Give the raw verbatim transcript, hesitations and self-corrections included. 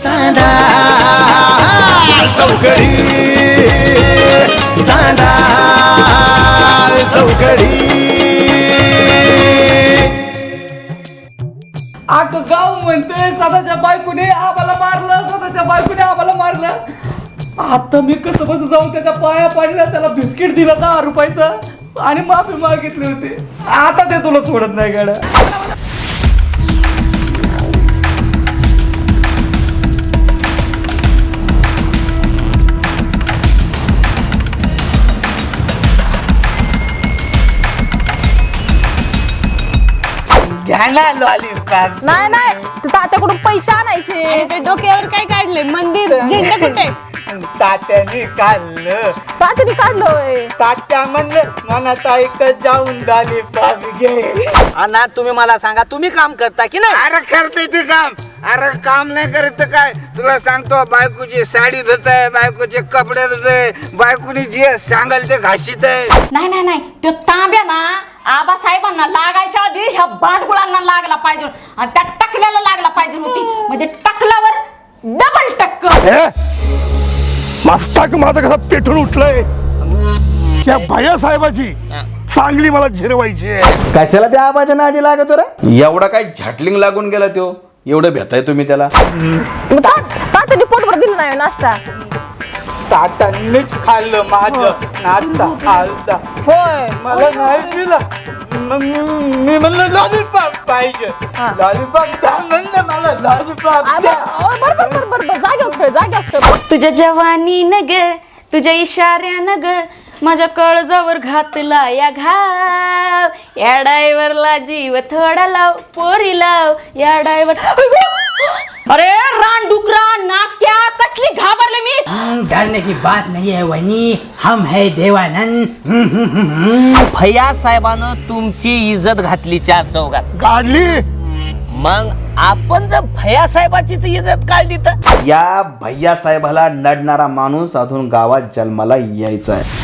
चांदा चौकडी चांदा चौकडी. आख गाव म्हणते स्वतःच्या बायकोने आम्हाला मारलं, स्वतःच्या बायकोने आम्हाला मारलं. आता मी कसं बस जाऊन त्याच्या पाया पडल्या, त्याला बिस्किट दिलं दहा रुपयाचं आणि माफी मागितली होती. आता ते तुला सोडत नाही गाड्या. घ्या ना लॉलीपॉप. नाही नाही ते तात्याकडून पैसे आणायचे. ते डोक्यावर काय काढले? मंदिर झेंडा कुठे? तात्याने काढलं. तात्याने काढलोय. तात्या म्हणलं मनात ऐकत जाऊन लॉलीपॉप घे. अण्णा तुम्ही मला सांगा, तुम्ही काम करता की नाही? अरे करते ते काम. अरे काम नाही करत काय तुला सांगतो, बायकोची साडी धुतय, बायकोचे कपडे धुतय, बायकोनी जे सांगाल ते घाशीत आहे. नाही नाही नाही तो तांब्या ना आबासाहेबांना लागायच्या आधी ह्या बांडगुळांना लागला पाहिजे आणि त्या टकल्याला लागला पाहिजे होती, म्हणजे टकल्यावर डबल टक्कर. मस्तक माझं कसं पेटून उठलंय. त्या भैया साहेबाची चांगली मला झिरवायची. कशाला त्या आबाच्या नादी लागतो रे? एवढा काय झटलिंग लागून गेला तो? एवढं भेटाय तुम्ही त्याला? तात्याने पोटभर दिलं नाही नाश्ता. तात्यांनीच खाल्लं माझं नाश्ता खालता. होय मला नाही दिलं. मग मी म्हणलं लॉलीपॉप पाहिजे. लॉलीपॉप द्या म्हणलं मला. लॉलीपॉप द्या. बरोबर बरोबर बरोबर जागे खेळ जागे खेळ. तुझ्या जवानी न ग, तुझ्या इशाऱ्यानं ग, माझ्या कळजावर घातला या घाव. या डायव्हरला जीव थोडा लाव, पोरी लाव या डायव्हर. अरे रानडुकरा नासक्या, कसली घाबरले मी. डरने की बात नहीं है वहिनी, हम है देवानंद. भैया साहेबानं तुमची इज्जत घातली चार चौघात. काढली. मग आपण जर भैया साहेबाचीच इज्जत काढली तर? या भैया साहेबाला नडणारा माणूस अजून गावात जन्माला यायचा आहे.